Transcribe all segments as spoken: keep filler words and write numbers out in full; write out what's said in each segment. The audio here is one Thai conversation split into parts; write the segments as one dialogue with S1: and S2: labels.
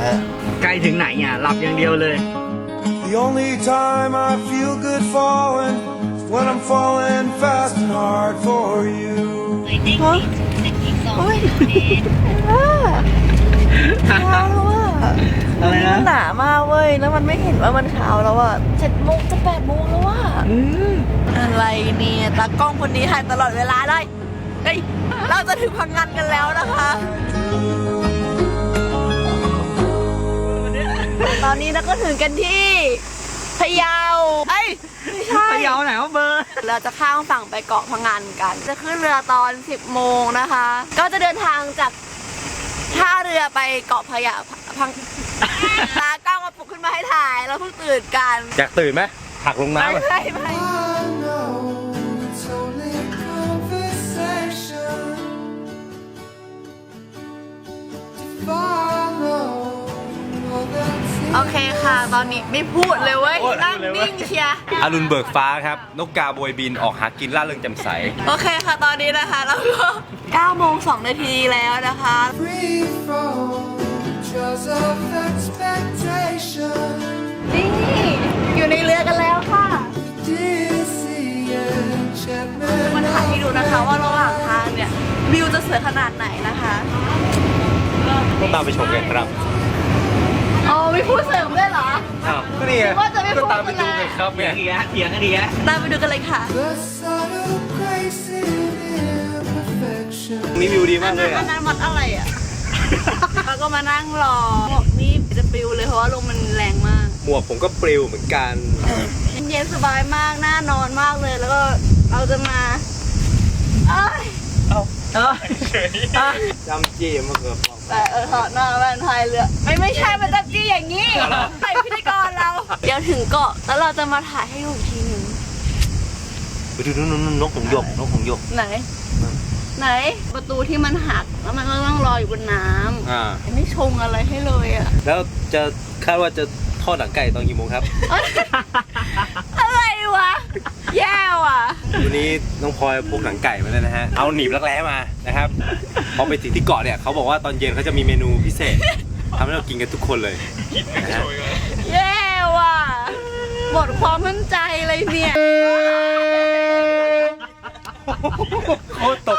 S1: ฮะ
S2: ใกล้ถึงไหนอ่ะหลับอย่างเดียวเลย
S3: The only time I feel good falling is when I'm falling fast and hard for you.
S4: ฮะโอ้ยเช้าแล้วอ่ะ
S2: อะไรนะ
S4: หนามากเว้ยแล้วมันไม่เห็นว่ามันเช้าแล้วอ่ะเจ็ดโมงจะแปดโมงแล้วอ่ะอะไรเนี่ยตากล้องคนนี้ถ่ายตลอดเวลาเลยเฮ้ยเราจะถึงพังงานกันแล้วนะคะ ตอนนี้เราก็ถึงกันที่พะเยาเอ้ยไม่ใช่
S2: พะเยาไหนวะเบอร์
S4: เราจะข้ามฝั่งไปเกาะพังงานกัน จะขึ้นเรือตอนสิบโมงนะคะ ก็จะเดินทางจากท่าเรือไปเกาะพะเยาพังตากล้องมาปลุกขึ้นมาให้ถ่ายเราเพิ่งตื่นกัน
S1: อยากตื่นไหมหักลงน้ำ
S4: ไม่ไม่ไม่
S3: I know it's only conversation to follow all that's
S4: โอเคค่ะ ตอนนี้ไม่พูดเลยเว้ยนั่งนิ่งเชียร์
S1: อรุณเบิกฟ้าครับนกกาโบยบินออกหากินล่าเริงแจ่มใส
S4: โอเคค่ะตอนนี้นะคะเราก็เก้าโมงสองนาทีแล้วนะคะ
S3: free from jaws of expectation.
S4: นี่อยู่ในเรือกันแล้วค่ะ
S3: Dizzy enchantment.
S4: มันถ่ายให้ดูนะคะว่าระหว่างทางเนี่ยวิวจะสวยขนาดไหนนะคะ
S1: ต้องตามไปชมกันครับ
S4: อ๋อไม่พูดเสริมด้วยเหรอ
S1: อ้าวก็นี่ไง
S4: ว่าจะไม่พูด
S1: ก็ตามไปดูกันครับ
S2: เถี
S1: เนี่ย ย
S2: งอีกแล้วเถียงกันดีแล้ว
S4: ตามไปดูกันเลยค่ะ
S3: The subtle grace in imperfection.
S1: นี่วิวดี
S4: อั
S1: มาน กเล
S4: นั้น
S1: ย
S4: อั
S1: อ่ะ
S4: นนั้นวัดอะไรอ่ะ แล้วก็มานั่งรอหมวกนี่จะปลิวเลยเพราะว่าลมมันแรงมาก
S1: หมวกผมก็ปลิวเหมือนกัน
S4: เย็นสบายมากน่านอนมากเลยแล้วก็เราจะมาเอ้ย
S2: เออเออ
S1: จำจี้มาเกือบฟอง
S4: แต่เออถอดหน้าแว่นพายเรือไม่ไม่ใช่มันจะจี้อย่างนี้ใส่พิธีกรเรา เดี๋ยวถึงเกาะแล้วเราจะมาถ่ายให้ดูอีกทีหนึ่ง
S1: ไปดูนู่นนกหงส์หยกนกหงส์หยก
S4: ไหน ไหนประตูที่มันหักแล้วมันก็ต้องรออยู่บนน้
S1: อ่า
S4: ำไม่ชงอะไรให้เลยอ่ะ
S1: แล้วจะคาดว่าจะทอดหนังไก่ตอนกี่โมงครับ
S4: อะไรวะแย่ว่ะ
S1: วันนี้น้องพลอยพกหนังไก่มาเลยนะฮะ เอาหนีบรักแร้มานะครับ พอไปถึงที่เกาะเนี่ยเขาบอกว่าตอนเย็นเขาจะมีเมนูพิเศษทำให้เรากินกันทุกคนเลยนะฮะ
S4: แย่ว่ะหมดความมั่นใจเลยเนี่ย
S1: โคตรตก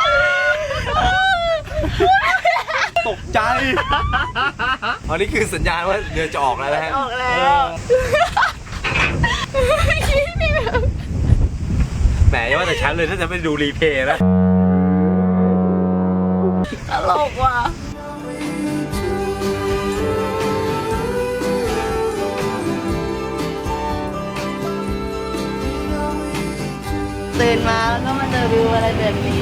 S1: ตกใจอันนี้คือสัญญาณว่าเรือจะออกแล้วนะฮะ
S4: ออกแล้วนี่แบบ
S1: แหมอย่าว่าแต่ฉันเลยถ้าจะไปดูรีเพลย์นะ
S4: ตลกว่ะตื่นมาแล้วก็มาเจอวิวอะไรแบบนี้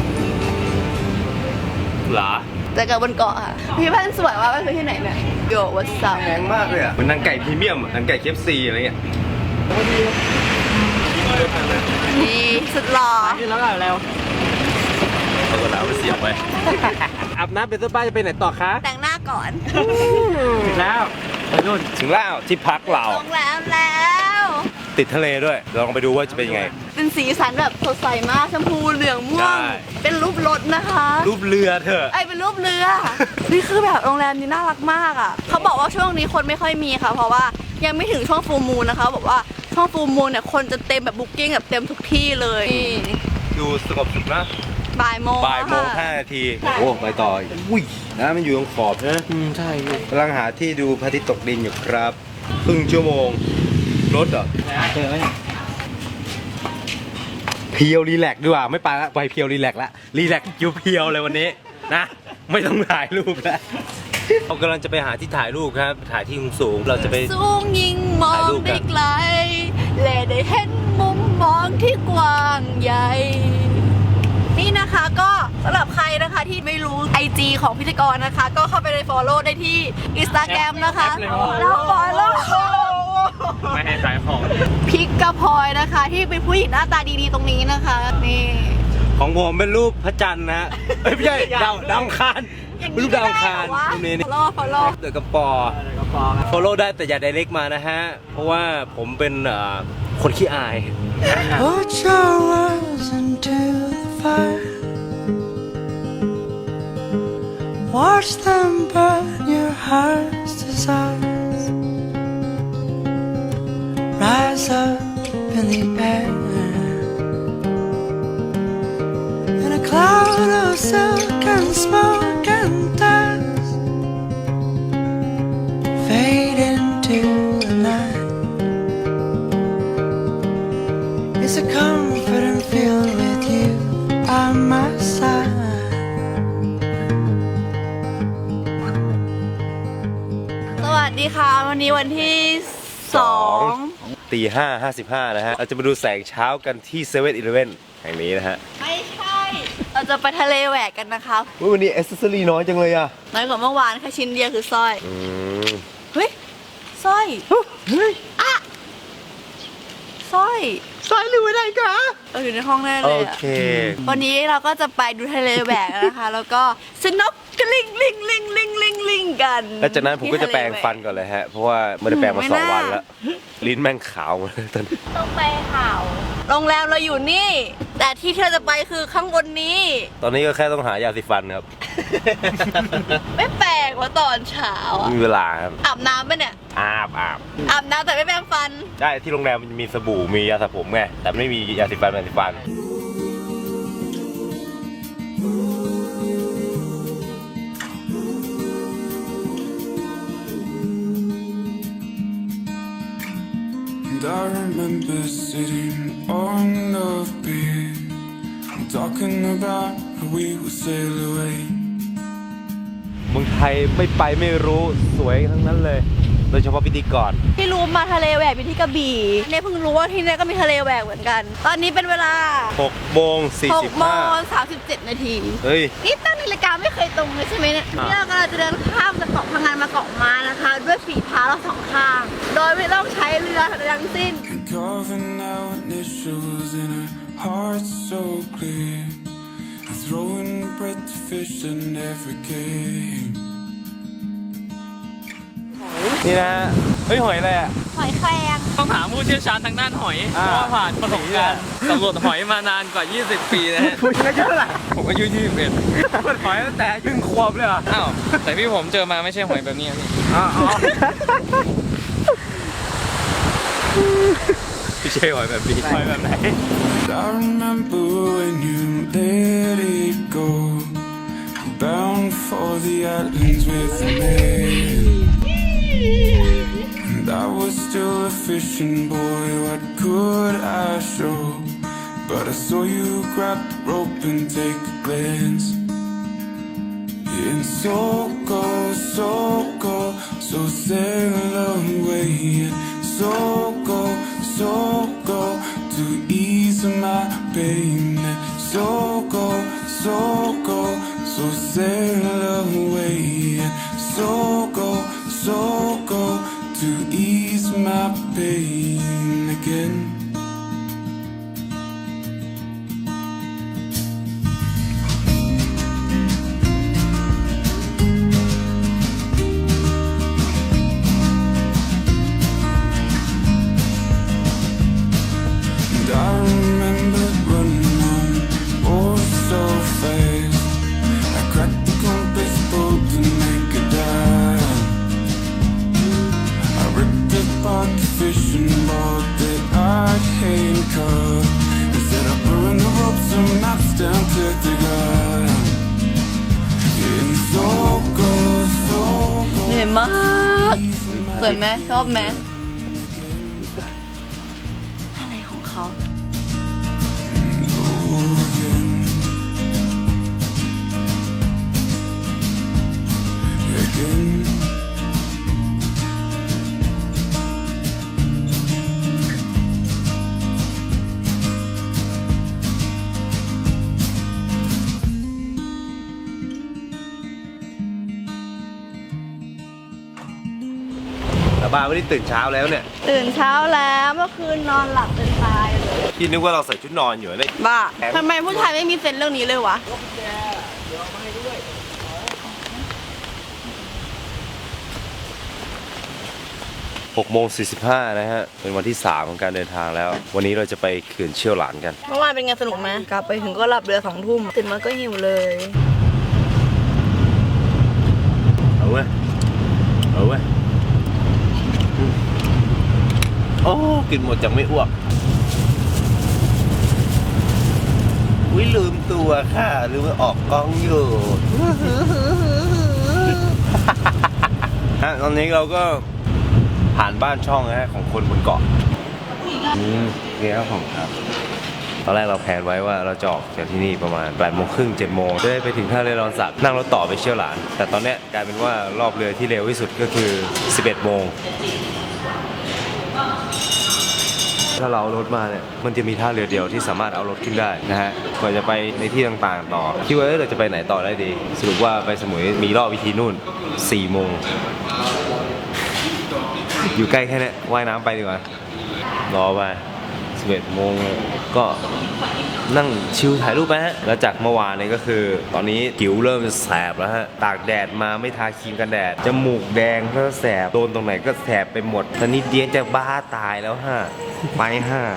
S1: เหรอ
S4: แต่กับบนเกาะค่ะพี่พันธุ์สวยว่ามันคือที่ไหนเนี่ยโยวัดซัม
S1: แพงมากเลยอ่ะเหมือนหนังไก่พรีเมียมหนังไก่เคฟซีอะไรเงี้ย
S4: นี่สุดหล่อ
S2: ขึ้นแล้วก็แล้ว
S1: เอากระดาษไปเสียบไว้อาบน้ำเป็นต้นป้าจะไปไหนต่อคะ
S4: แต่งหน้าก่อน
S2: ถึงแล้วไปนู่น
S1: ถึงแล้วที่พักเรา
S4: โรงแรมแล้ว
S1: ติดทะเลด้วยลองไปดูว่าจะเป็นยังไง
S4: เป็นสีสันแบบสดใสมากชมพูเหลืองม่ว
S1: ใช่
S4: งเป็นรูปรถนะคะ
S1: รูปเรือเถอะ
S4: ไอยเป็นรูปเรือ นี่คือแบบโรงแรมนี้น่ารักมากอ่ะเขาบอกว่าช่วงนี้คนไม่ค่อยมีค่ะ เพราะว่ายังไม่ถึงช่วงฟูลมูนนะคะบอกว่าช่วงฟูลมูนเนี่ยคนจะเต็มแบบบุ๊กิ้งแบบเต็มทุกที่เลยนี่
S1: ดูสงบสุดนะ
S4: บ่ายโมง
S1: บ่ายโมง
S4: ค่ะ
S1: ห้านาทีโอ้ไปต่ออีกอุ้ยน้ำมันอยู่ตรงขอบนะอืมใช่กำลังหาที่ดูพระอาทิตย์ตกดินอยู่ครับครึ่งชั่วโมงรถเหรอ
S2: เจอไหม
S1: เพียวรีแลกซ์ดีกว่าไม่ไปละไปเพียวรีแลกซ์ละรีแลกซ์อยู่เพียวเลยวันนี้นะไม่ต้องถ่ายรูปแล้วเรากำลังจะไปหาที่ถ่ายรูปครับถ่ายที่สูงๆเราจะไป
S4: สูงยิ่งมอ
S1: ถ่าย
S4: ง
S1: รูปกั
S4: ได้
S1: น
S4: ไกลและได้เห็นมุมมองที่กว้างใหญ่ นี่นะคะก็สำหรับใครนะคะที่ไม่รู้ ไอ จี ของพิธีกรนะคะ ก็เข้าไปใน follow ได้ที่ Instagram นะคะแล้ว follow
S2: ไม่ให้ขายของ
S4: พิกกะพลอยนะคะ ที่เป็นผู้หญิงหน้าตาดีๆตรงนี้นะคะนี่
S1: ของผมเป็นรูปพระจันทร์นะฮะเอ้ยไม่ใช่ดาวดาวอังคาร
S4: อย่าง
S1: รูปดาวอังคาร
S4: ไม่ได้
S1: รูปนี้
S4: เหร
S1: นี่
S4: อวะ follow follow
S1: เดอะกระปอ
S2: ก็พอครับ
S1: follow ได้แต่อย่า direct มานะฮะ เพราะว่าผมเป็นเอ่อคนขี้อาย
S3: Put your words into the fire. Watch them burn your heart's desire. really bad. In a cloud of silk and smoke and dust, fade into the night. It's a comfort and feel with you by my side.
S4: สวัสดีค่ะวันนี้วันที่สอง
S1: ตีห้าห้าสิบห้านะฮะเราจะมาดูแสงเช้ากันที่เซเว่นอีเลฟเว่นแห่งนี้นะฮะ
S4: ไม่ใช่ เราจะไปทะเลแหวกกันนะคะ
S1: อุ๊ยวันนี้แอคเซสซอรี่น้อยจังเลยอ่ะ
S4: น้อยกว่าเมื่อวานแค่ชิ้นเดียวคือสร้อย
S1: อืม
S4: เฮ้ยสร้อย
S1: เฮ้ย
S4: อะสร้อย
S1: สายหรืออะไรคะ
S4: เราอยู่ในห้องแน่เล
S1: โอย
S4: อะ
S1: เค
S4: วันนี้เราก็จะไปดูทะเลแหวกนะคะ แล้วก็สนุกกลิงลิงลิงลิงลิงลิงกัน
S1: แล้วจากนั้นผมก็จะแปรงฟันก่อนเลยฮะ เพราะว่าไม่ได้แปรงมาสองวันแล้ว ลิ้นแม่งขาวหมดเลยตอนนี้
S4: ต้องไปข่าวโรงแรมเราอยู่นี่ แต่ที่เธอจะไปคือข้างบนนี้
S1: ตอนนี้ก็แค่ต้องหายาสีฟันครับ
S4: ไม่แปลกว่าตอนเช้าอะ
S1: มีเวลาครับ
S4: อาบน้ำปะเนี่ย
S1: อาบอาบ
S4: อาบน้ำแต่ไม่แปรงฟัน
S1: ได้ที่โรงแรมมันมีสบู่มียาสระผมไงแต่ไม่มียาสีฟันแปรงสีฟัน
S3: And I remember sitting on the beach, talking about how we would sail away.
S1: เมืองไทยไม่ไปไม่รู้สวยทั้งนั้นเลย โดยเฉพาะพิธีกร
S4: ที่รู้มาทะเลแหวกอยู่ที่กระบี่เนี่ยเพิ่งรู้ว่าที่นี่ก็มีทะเลแหวกเหมือนกัน ตอนนี้เป็นเวลา
S1: หกโมงสี่
S4: ห
S1: สิ
S4: ก
S1: บ
S4: โม
S1: ห้าง
S4: สามสิบเจ็ดนาที
S1: เฮ้ย
S4: นี่ตั้งนาฬิกาไม่เคยตรงเลยใช่ไหมเนี่ย
S1: อ่า
S4: นี่เรากำลังจะเดินข้ามจากเกาะพังงานมาเกาะม้านะคะ ด้วยฝีเท้าเราสองข้าง โดยไม่ต้องใช้เรือทั้งสิ้น
S3: And carving our initials in our hearts so clear, and throwing bread to fish that never came.
S1: นี่นะฮะเฮ้ยหอยอะไรอ่ะ
S4: หอยแครง
S2: ต้องถามผู้เชี่ยวชาญทางด้านหอย เพ
S1: อ่า
S2: ราะว่าผ่านประสบการณ์สำรวจหอยมานานกว่า ยี่สิบ ปีนะฮะ
S1: คุณอายุเท่าไหร่
S2: ผมอายุยี่สิบเอ็ด
S1: มันหอยตั้งแต่ยึ่งควบเลยเหรอ
S2: อ้าว แต่ที่ผมเจอมาไม่ใช่หอยแบบนี้พี่
S1: อ๋อไม่ใช่หอยแบบนี้หอยแบบไหน
S3: I remember when you let it go, bound for the islands with me. And I was still a fishing boy, what could I show? But I saw you grab the rope and take a glance. And so go, so go, so sail away. And so go, so go, to ease my pain. And so go, so go, so sail away. And so go, so go, to ease my pain again. And I remember running home, oh so fast. I cracked the compass boat to make a dive. I ripped apart the fishing boat that I handcuffed. Instead of pulling the ropes and maps down to the ground. And so go, so
S4: เหนื่อย
S3: go.
S4: มากสวยไหมชอบไหมอะไรของเขา
S3: Again.
S1: แต่บ้าวันนี้ตื่นเช้าแล้วเนี่ย
S4: ตื่นเช้าแล้วเมื่อคืนนอนหลับจนตายเลย
S1: พี่นึกว่าเราใส่ชุดนอนอยู่เลย
S4: บ้าทำไมผู้ชายไม่มีเซนส์เรื่องนี้เลยวะ
S1: หกโมงสี่สิบห้านะฮะ เป็นวันที่สามของการเดินทางแล้ว วันนี้เราจะไปเขื่อนเชี่ยวหลานกัน
S4: เมื่อวานเป็นไงสนุกไหมกลับไปถึงก็หลับเรือสองทุ่มตื่นมาก็หิวเลย
S1: เอาเว้ย เอาเว้ยอืมโอ้กินหมดจังไม่อ้วกอุ้ยลืมตัวค่ะลืมออกกล้องอยู่ ฮะตอนนี้เราก็ผ่านบ้านช่องนะฮะของคนบนเกาะอืมนี่ครับผมครับตอนแรกเราแผนไว้ว่าเราจะออกจากที่นี่ประมาณแปดโมงครึ่งเจ็ดโมงจะได้ไปถึงท่าเรือรอนสักนั่งรถต่อไปเชี่ยวหลานแต่ตอนเนี้ยกลายเป็นว่ารอบเรือที่เร็วที่สุดก็คือสิบเอ็ดโมงถ้าเราเอารถมาเนี่ยมันจะมีท่าเรือเดียวที่สามารถเอารถขึ้นได้นะฮะก่อนจะไปในที่ต่างๆต่อคิดว่าเราจะไปไหนต่อได้ดีสรุปว่าไปสมุยมีรอบวิธีนู่นสี่โมงอยู่ใกล้แค่นี้ว่ายน้ำไปดีกว่ารอไปสิบเอ็ดโมงก็นั่งชิลถ่ายรูปไปฮะแล้วจากเมื่อวานนี้ก็คือตอนนี้ผิวเริ่มจะแสบแล้วฮะตากแดดมาไม่ทาครีมกันแดดจมูกแดงก็แสบโดนตรงไหนก็แสบไปหมดตอนนี้เดียนจะบ้าตายแล้วฮะไปฮะ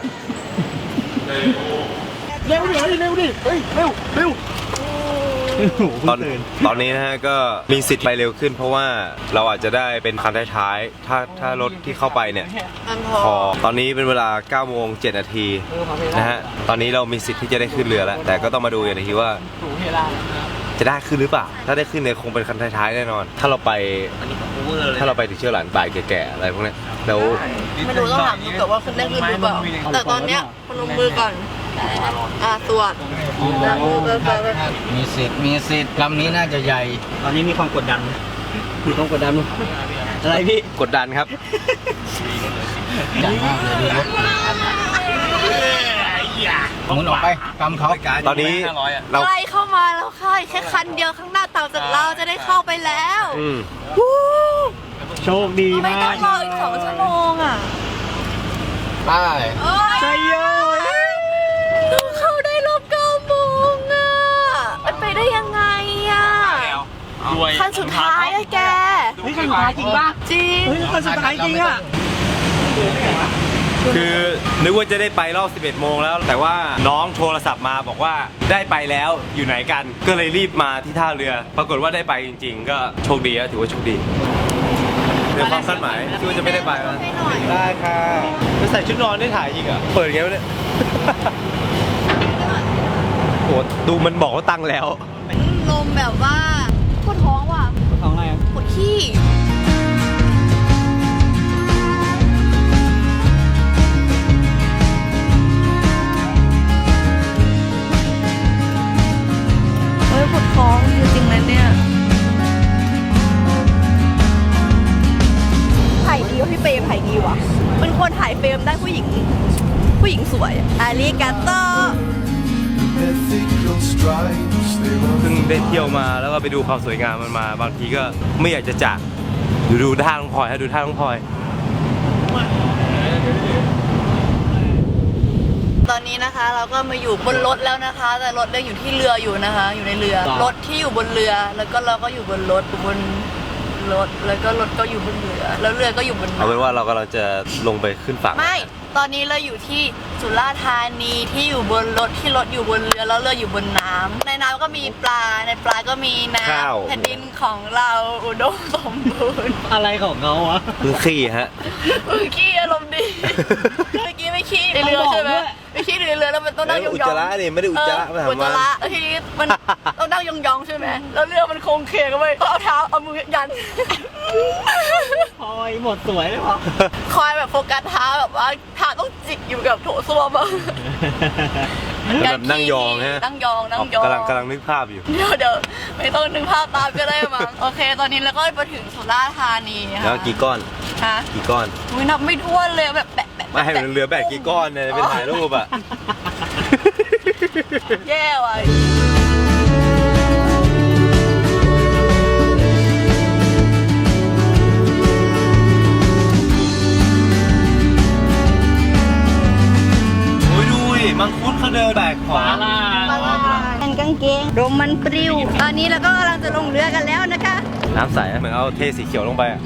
S1: เร็วดิเร็วดิเฮ้ยเร็วเร็วตอนตอนนี้นะฮะก็มีสิทธิ์ไปเร็วขึ้นเพราะว่าเราอาจจะได้เป็นคันท้ายๆถ้าถ้ารถที่เข้าไปเนี่ยพอตอนนี้เป็นเวลาเก้าโมงเจ็ดนาทีนะฮะตอนนี้เรามีสิทธิ์ที่จะได้ขึ้นเรือแล้วแต่ก็ต้องมาดูกันอีกทีว่าจะได้ขึ้นหรือเปล่าถ้าได้ขึ้นเนี่ยคงเป็นคันท้ายๆแน่นอนถ้าเราไปถ้าเราไปถึงเชี่ยวหลานบ่ายแก่ๆอะไรพวกนี้แล้ว
S4: ไม่รู้ต้องถามดูก่อนว่าคุณได้ขึ้นหรือเปล่าแต่ตอนเนี้ยพนมมือก่อนอ่าสวดแล้วมือเบอร์เบอร์
S5: มีสิทธิ์มีสิทธิ์ลำนี้น่าจะใหญ่
S2: ตอนนี้มีความกดดันมีความกดดันอะไรพี่
S1: กดดันครับ
S5: ใหญ่มากเลยดูรถหมุนออกไปกำเขา
S1: ตอนนี้เรา
S4: ใกล้เข้ามาแล้วค่ะแค่คันเดียวข้างหน้าเต่าจากเราจะได้เข้าไปแล้ว
S1: อืม
S4: วู้
S2: โชคดี
S4: ไม่
S2: มา
S4: ต้อก งรออีกสองชั่วโมงอ่ะ
S5: ไป
S2: ใจเยอะ
S4: ต้องเข้าได้รอบเก้าโมงอ่ะมันไปได้ยังไงอ่ะคันสุดท้ายอะแก
S2: เฮ้ยคันสุดท้ายจริงป่ะ
S4: จริง
S2: เฮ้ยคันสุดท้ายจริงอ่ะ
S1: คือนึกว่าจะได้ไปรอบสิบเอ็ดโมงแล้วแต่ว่าน้องโทรศัพท์มาบอกว่าได้ไปแล้วอยู่ไหนกันก็เลยรีบมาที่ท่าเรือ ปรากฏว่าได้ไปจริงๆ ก็โชคดีอะถือว่าโชคดีเรื่องความคาดหมายที่ว่าจะไม่ได้ไปนะได้ค่ะจะใส่ชุดนอนได้ถ่ายอีกอ่ะเปิดไงวะเนี่ย โอ้ดูมันบอกว่าตั้งแล้ว
S4: ลมแบบว่าปวดท้องว่ะ
S2: ของอะไร
S4: ปวดขี้เฮ้ยปวดท้องจริงๆนะเนี่ยถ่ายดีวะพี่เปย์ถ่ายดีวะเป็นคนถ่ายเฟรมได้ผู้หญิง ผู้หญิงสวยอาริกาโต
S3: Ethical stripes, they were
S1: เพิ่งได้เที่ยวมาแล้วก็ไปดูความสวยงามมันมาบางทีก็ไม่อยากจะจากดูดูท่าน้องพลอยฮะดูท่าน้องพลอย
S4: ตอนนี้นะคะเราก็มาอยู่บนรถแล้วนะคะ แต่รถยังอยู่ที่เรืออยู่นะคะ อยู่ในเรือรถที่อยู่บนเรือ แล้วก็เราก็อยู่บนรถอยู่บนรถแล้วก็รถก็อยู่บนเรือ แล้วเรือก็อยู่บน
S1: เอาเป็นว่าเรากำลังจะลงไปขึ้นฝั่ง
S4: ไม่ตอนนี้เราอยู่ที่สุราษฎร์ธานีที่อยู่บนรถที่รถอยู่บนเรือแล้วเรืออยู่บนน้ำในน้ำก็มีปลาในปลาก็มีน้ำแผ่นดินของเราอุดมสมบูรณ์
S2: อะไรของเขาวะ
S1: คือขี้ฮะ
S4: เมื่อกี้อารมณ์ดีเมื่อกี้ไม่ขี้ในเรือใช่ไหมไม่ขี้ในเรือแล้วมันต้องนั่งยองๆ
S1: อุจจาระนี่ไม่ได้อุจจาระ
S4: เอ
S1: ไม่
S4: อ
S1: ถาม
S4: อุจจา
S1: ว่า
S4: ระแล้วทีนี้มันต้องนั่งยองๆใช่ไหมแล้วเรือมันโค้งเคงกันไปเอาเท้าเอามือยัน
S2: พอยหมดสวยเลยพอ
S4: คอยแบบโฟกัสเท้าแบบว่าเท้าต้องจิกอยู่กับโถส้วมอะ
S1: แล้วแบบนั่งยองฮะ
S4: นั่งยองนั่งยอง
S1: กำลังกำลังนึกภาพอยู่
S4: เดี๋ยวเดี๋ยวไม่ต้องนึกภาพตามก็ได้มั้งโอเค ตอนนี้เราก็มาถึงสุราษฎร์ธานีค่ะ
S1: แล้วกี่ก้อน
S4: ฮะ
S1: กี่ก้อน
S4: อุ้ยนับไม่ถ้วนเลยแบบแปะแปะ
S1: ไม่ให้มันเรือแบกกี่ก้อนเนี่ยเป็นถ่ายรูปอ่ะ
S4: แย่ว่ะ
S1: มังคุดเขาเดินแบกของ
S2: ปลา
S4: เป็นกางเกงลมมันปลิวตอนนี้เราก็กำลังจะลงเรือกันแล้วนะคะ
S1: น้ำใสเหมือนเอาเทสีเขียวลงไปอะ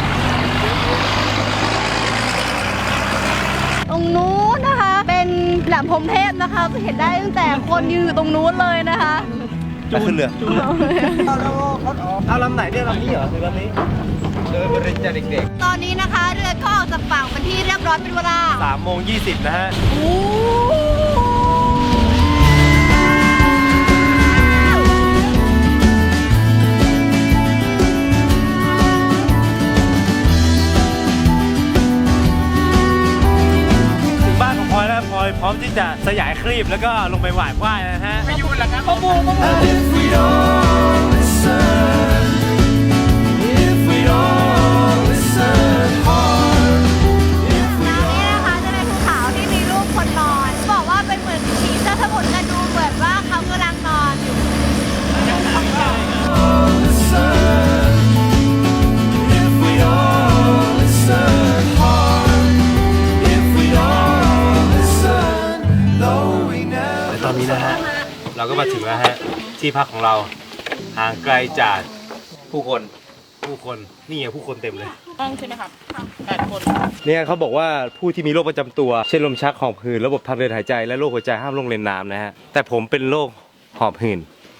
S4: ตรงนู้นนะคะ เป็นแหลมพรหมเทพนะคะจะเห็นได้ตั้งแต่คนยืนอยู่ตรงนู้นเลยนะคะ
S1: ไปขึ้นเรือเอาลำไหนเนี่ยลำนี้เหรอคือลำนี้เดินบริจาคเด็ก
S4: ตอนนี้นะคะเรือก็ออกจากฝั่งเป็นที่เรียบร้อยเป็นเวลา
S1: ๆสามโมงยี่สิบนะฮะ
S4: โอ้
S1: ครีบแล้วก็ลงไปหวานว่ายนะฮะ
S5: ไม่ยุ่งหรอกครับ
S4: ปะบูปะบู
S3: If we all listen, if we all listen hard, if we
S4: นี่นะคะจะเป็นภูเขาที่มีรูปคนนอน บอกว่าเป็นเหมือนผีเสื้อสมุทรกันดูเหมือนว่าเขากำลังนอนอยู่
S3: all listen, if we all listen hard, if we all listen, though we never.
S1: ตอนนี้นะฮะ เราก็มาถึงแล้วฮะ ที่พักของเราห่างไกลจากผู้คนผู้คนนี่ไงผู้คนเต็มเลย
S2: ห้องใช่ไหมครับแปดคน
S1: เนี่ยเขาบอกว่าผู้ที่มีโรคประจำตัว เช่นลมชักหอบหืดระบบทางเดินหายใจและโรคหัวใจห้ามลงเล่นน้ำนะฮะ แต่ผมเป็นโรคหอบหืด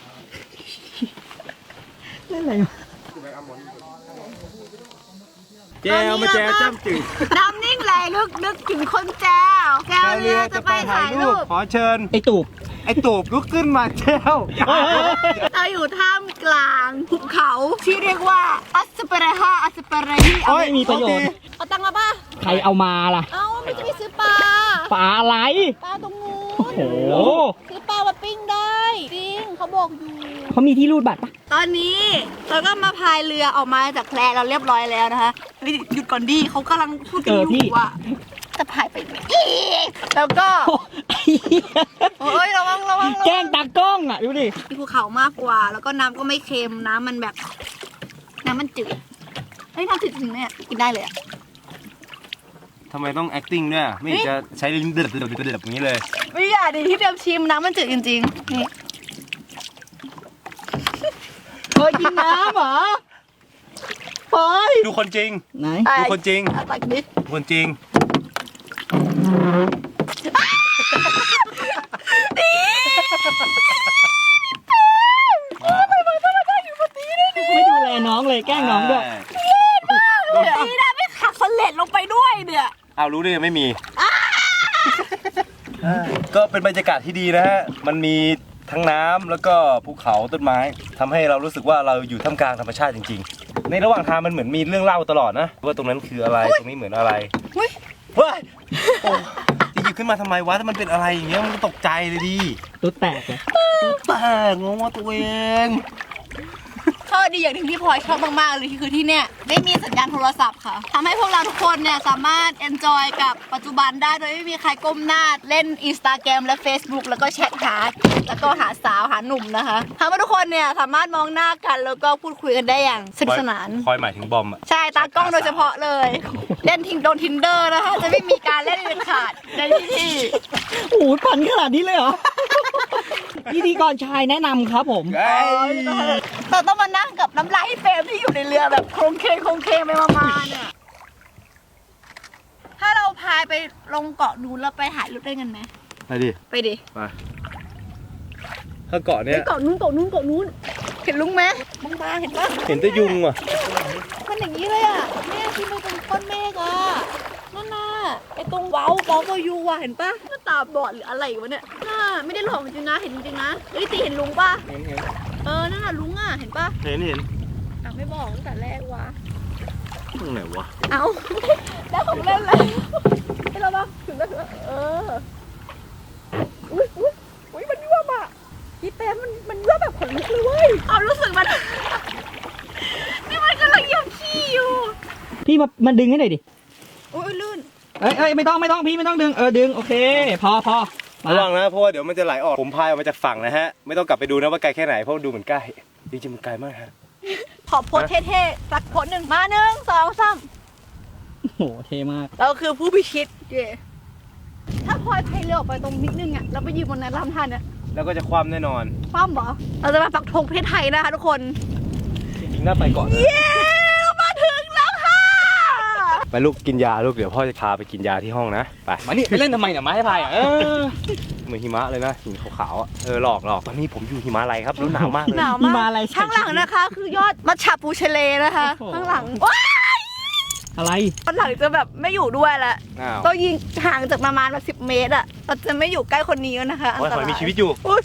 S1: แจวมาแจวจ้ำจืด
S4: น้ำนิ่งไหลลึกนึกถึงคนแจวแจวเรือจะไปถ่ายรูป
S1: ขอเชิญ
S5: ไอตูบ
S1: ไอ้ตูบลุกขึ้นมาแจว
S4: เราอยู่ท่ามกลางภูเขาที่เรียกว่าอัสเปรฮาอัสเปรฮีเอา
S5: ไม่มีประโยชน์
S4: เอาตังค์มาป่ะ
S5: ใครเอามาล่ะ
S4: เอาไม่จะไปซื้อปลา
S5: ปลาอะไร
S4: ปลาตรงนู้น
S5: โอ้โห
S4: ซื้อปลามาปิ้งได้จริงเขาบอกอยู่
S5: เขามีที่รูดบัตรปะ
S4: ตอนนี้เราก็มาพายเรือออกมาจากแพเราเรียบร้อยแล้วนะคะเฮ้ยหยุดก่อนดิเขากำลังพูดกันอยู่ว่าจะพายไปไหนอีกแล้วก็
S5: โอ้ไอ้เหี้ย
S4: โอ้ยระวังระวังระวัง
S5: แกล้งตากล้องอ่ะ ดูดิ
S4: มีภูเขามากกว่า แล้วก็น้ำก็ไม่เค็มน้ำมันแบบ น้ำมันจืดเฮ้ยน้ำจืดจริงเนี่ยกินได้เลยอะ
S1: ทำไมต้อง acting ด้วยไม่เห็นจะใช้ลิ้นเดือดเดือดเดือดอย่างนี้เลย
S4: ไม่อยากดิที่เดียมชิมน้ำมันจืดจริงๆนี่เคยกินน้ำเหรอเฮ้ย
S1: ดูคนจริง
S5: ไหน
S1: ดูคนจริง
S4: อ่ะตักนิด
S1: คนจริง
S5: ไม่ดูแลน้องเลย แกล้งน้องด้วย
S4: ดีนะไม่ขักสเลดลงไปด้วยเนี่ย
S1: เอารู้ได้ยังไม่มี ก็เป็นบรรยากาศที่ดีนะฮะ มันมีทั้งน้ำแล้วก็ภูเขาต้นไม้ทำให้เรารู้สึกว่าเราอยู่ท่ามกลางธรรมชาติจริงๆ ในระหว่างทางมันเหมือนมีเรื่องเล่าตลอดนะว่าตรงนั้นคืออะไร ตรงนี้เหมือนอะไร
S4: อุ๊ย
S1: เฮ้ยโอ้จะหยิบขึ้นมาทำไมวะถ้ามันเป็นอะไรอย่างเงี้ยมันก็ตกใจเลยดิ
S5: ตุ๊ดแตกเลย
S1: แต่งงว่าตัวเอง
S4: ข้อดีอย่างหนึ่งที่พลอยชอบมากๆเลยคือที่เนี่ยไม่มีสัญญาณโทรศัพท์ค่ะทำให้พวกเราทุกคนเนี่ยสามารถ enjoy กับปัจจุบันได้โดยไม่มีใครก้มหน้าเล่น Instagram และ Facebook แล้วก็แชทหาแล้วก็หาสาวหาหนุ่มนะคะทำให้ทุกคนเนี่ยสามารถมองหน้ากันแล้วก็พูดคุยกันได้อย่างสนุกสนาน
S1: คอยหมายถึงบอมอะ
S4: ใช่ตากล้องโดยเฉพาะเลย เล่นทิงโดนทินเดอร์นะคะจะไม่มีการเล่นเด็ดขาดในที่ที่
S5: โอ้โหพันขนาดนี้เลยเหรอ พิธีกรชายแนะนำครับผม
S4: เราต้องมานั่งกับน้ำลายเฟรมที่อยู่ในเรือแบบโครงเคงโครงเคงไปมาๆเนี่ย ถ้าเราพายไปลงเกาะนู้นแล้วไปถ่ายรูปได้กันไหม
S1: ไปดิ
S4: ไปดิ
S1: ไปถ้าเกาะ
S4: ไป
S1: เนี้ย
S4: เกาะนู้นเกาะนู้นเกาะนู้น เห็นลุงไหมบางๆเห็นปะ
S1: เห็นแต่ยุงว่ะ
S4: มันอย่างนี้เลยอ่ะแม่ที่มันเป็นก้อนเมฆอ่ะนั่นน่ะไอตรงเว้าเว้าเวายูอ่ะเห็นปะหน้าตาบอดหรืออะไรวะเนี่ยน่าไม่ได้หลอกจริงๆนะเห็นจริงๆนะเฮ้ยตีเห็นลุงปะเออนั่นน่ะลุงอ่ะเห็นปะ
S1: เห็นเห็น
S4: อ่ะไม่บอกตั้งแต่แรกวะ
S1: ตรงไหนวะ
S4: เอา แล้วของเล่นเลยให้เราบ้างถึงแล้วถึงแล้วเอออุ้ยอุ้ยอุ้ยมันยั่วบอ่ะพี่เต้มันมันยั่วแบบขนลุกเลยเว้ยเอารู้สึกมัน นี่มันกำลังเหยียบขี้อยู่
S5: พี่มามาดึงให้หน่อยดิ
S4: อุ้ยลื่น
S5: เอ้ยเอ้ยไม่ต้องไม่ต้องพี่ไม่ต้องดึง เออดึง โอเค พอพอมา
S1: ระวังนะเพราะว่าเดี๋ยวมันจะไหลออกผมพายออกมาจากฝั่งนะฮะไม่ต้องกลับไปดูนะว่าไกลแค่ไหนเพราะดูเหมือนใกล้จริงๆมันไกลมากฮะ
S4: ขอโพสเท่ๆสักโพสหนึ่งมาหนึ่งสองสาม
S5: โอ้โห เท่มาก
S4: เราคือผู้พิชิตเย่ถ้าพลอยพายเรือออกไปตรงนิดนึงอ่ะเราไปยืนบนนั้นลำธารเนี่ย
S1: แล้วก็จะคว่ำแน่นอน
S4: คว่ำเหรอเราจะมาปักธงประเทศไทยนะคะทุกคน
S1: จริงๆน่าไปก่อนนะ
S4: เย้มาถึงแล้วค่ะ
S1: ไปลูกกินยาลูกเดี๋ยวพ่อจะพาไปกินยาที่ห้องนะไป
S5: มานี่ไปเล่นทำไมเนี่ยไม้พายอ่ะเออ
S1: เหมือนหิมะเลยนะหินขาวๆอ่ะเออหลอกหลอกตอนนี้ผมอยู่หิมาลัยครับรู้หนาวมากเลย
S4: หนาว
S5: มี
S4: มาก
S5: มาอะไร
S4: ข้างหลังนะคะ คือยอดมัชชาปูเชเลนะคะ
S5: โอ้โห
S4: ข้างหลังว้าย
S5: อะไร
S4: ข้างหลังจะแบบไม่อยู่ด้วยละ
S1: อ้าว
S4: ต้องยิงห่างจากประมาณแบบสิบเมตรอะเราจะไม่อยู่ใกล้คนนี้แล้วนะคะอัน
S1: โอ้ย
S4: ต
S1: หอ
S4: ราย ย
S1: มีชีวิตอยู่
S4: อุ๊ย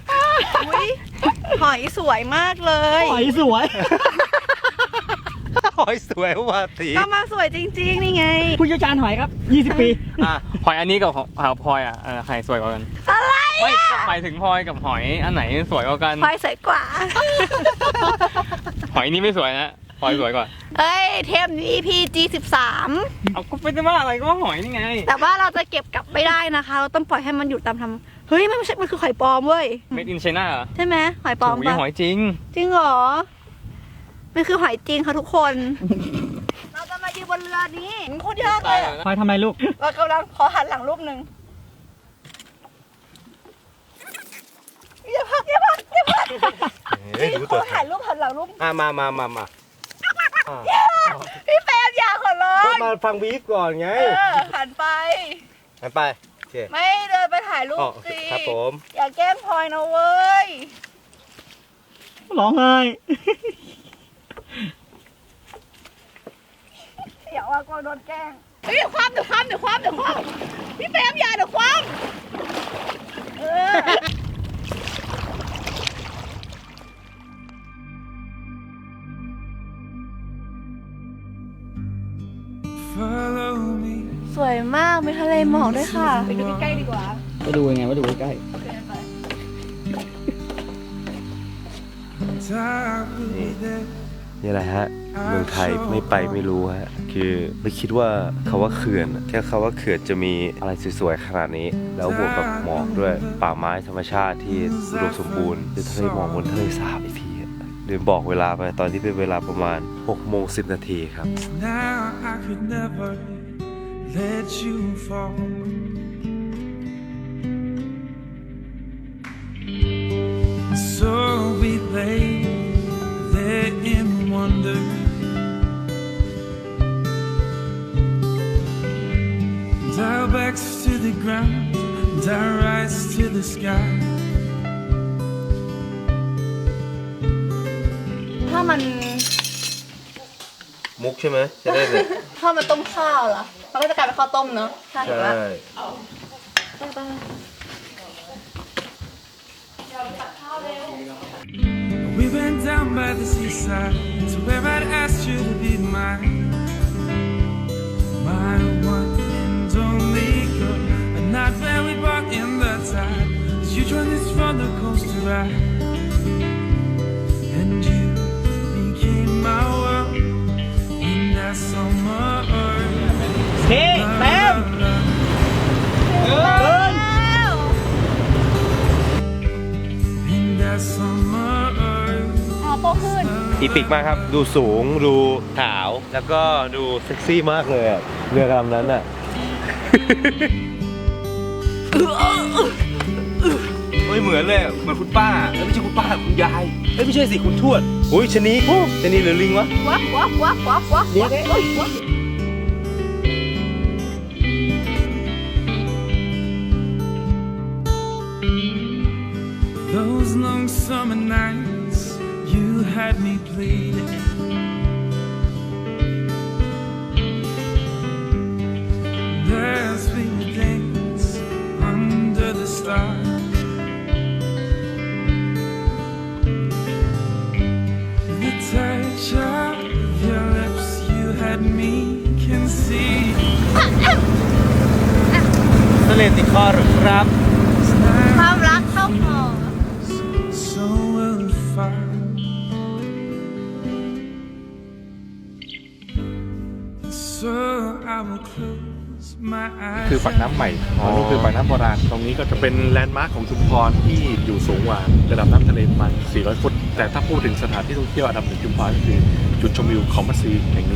S4: อุ๊ยหอยสวยมากเลย
S5: หอยสวย
S4: ห
S1: หอยสวยว่าสี
S4: ก็มาสวยจริงๆนี่ไง
S5: ผู้เชี่ยวชาญหอยครับยี่สิบปี
S2: อ่ะหอยอันนี้กับหอยพลอยอ่ะอ่ะใครสวยกว่ากัน
S4: อะไร
S2: ไม่หมายถึงพลอยกับหอยอันไหนสวยกว่ากัน
S4: พลอยสวยกว่า
S2: หอยนี้ไม่สวยนะพลอยสวยกว่า
S4: เอ้ย เทมนี้ อี พี จี สิบสาม
S2: เอาก็เป็นว่าอะไรก็ว่าหอยนี่ไง
S4: แต่ว่าเราจะเก็บกลับไม่ได้นะคะ เราต้องปล่อยให้มันอยู่ตามธรรมเฮ้ย มันไม่ใช่ มันคือหอยปลอมเว้ย
S2: Made in China เหรอ
S4: ใช่ไหมหอยปลอม
S2: โอ้ย
S4: ปะ
S2: หอยจริง
S4: จริงเหรอ มันคือหอยจริงค่ะทุกคน เราจะมายืนบนเรือนี้โคตรยากเลยอะ
S5: หอยทำไมลูก
S4: เรากำลังขอหันหลังรูปหนึ่งอย่าพักอย่าพักอย่าพัก
S1: เฮ้ยดู
S4: ข
S1: ตั
S4: อ
S1: ว
S4: ถ่ายรูปหันหลังรูป
S1: อ่ะมามามามาอ่ะ
S4: พี่เฟรมอย่าขอร้อ
S1: ก็
S4: ง
S1: มาฟังบีฟก่อนไง
S4: เออหันไป
S1: ไปไปโอเค
S4: ไม่เดินไปถ่ายรู
S1: อ๋อ
S4: ปสิ
S1: ครับผม
S4: อย่าแกล้งพลอยนะเว้ย
S5: ร้องไห้
S4: อย่าว่ากลัวโดนแกล้งเฮ้ยเดี๋ยวความเดี๋ยวความเดี๋ยวความเดี๋ยวความพี่เฟรมอย่าเดี๋ยวความเออ
S3: Follow me.
S4: สวยมากมีทะเลหมอกด้วยค่ะ ไปดูใกล้ๆดีกว่า
S5: ไปดูยังไงว่าดูใกล้
S4: โอเคไป
S3: And I will be there.
S1: นี่แหละฮะ เมืองไทยไม่ไปไม่รู้ฮะ คือไม่คิดว่าคาว่าเขื่อนแค่คาว่าเขื่อนจะมีอะไรสวยๆขนาดนี้ แล้วบวกกับหมอกด้วยป่าไม้ธรรมชาติที่อุดมสมบูรณ์คือทะเลหมอกบนทะเลสาบอีกทีอะลืมบอกเวลาไปตอนที่เป็นเวลาประมาณหกโมงสิบนาทีครับ
S3: Now I could never let you fall. So we lay there in wonder. And our backs to the ground, and our eyes to the sky.
S4: ถ้ามัน
S1: มุกใช่ไหมจะได้เนี่ย
S4: ถ้ามันต้มข้าวเหรอมันก็จะกลายเป็นข้าวต้มเนอะใช่ไหม
S3: We went down by the seaside to where I'd asked you to be mine. My one and only girl. A night where we brought in the tide. As you joined this roller coaster ride. And you became my world in that summer earth.
S5: ๆเฮ้แป๊บเดิน
S3: In that summer earth.
S4: อ๋อโตขึ้น
S1: อีปิกมากครับ ดูสูง ดูขาว แล้วก็ดูเซ็กซี่มากเลยอะเรือลำนั้นอ่ะ เฮ้ยเหมือนเลยอะเหมือนคุณป้าเอ้ยไม่ใช่คุณป้าคุณยายเอ้ยไม่ใช่สิคุณทวดอุ้ยชะนีชะนีหรือลิงวะ
S4: วับวับวับวับวับ
S5: เดี๋ยว
S4: วับวับ
S3: Those long summer nights, you had me bleeding. As we would dance under the stars. The touch of your lips, you had me conceive.
S1: ทะเลติดคอหรือครับ
S4: ความรักเข้าคอ
S3: So will far. So I will close my eyes.
S6: คือปากน้ำใหม่ตรงนี้คือปากน้ำโบราณ ตรงนี้ก็จะเป็นแลนด์มาร์คของชุมพรที่อยู่สูงกว่าระดับน้ำทะเลประมาณสี่ร้อยฟุต แต่ถ้าพูดถึงสถานที่ท่องเที่ยวอันดับหนึ่งชุมพรก็คือจุดชมวิวเขามัดซีแห่งนี้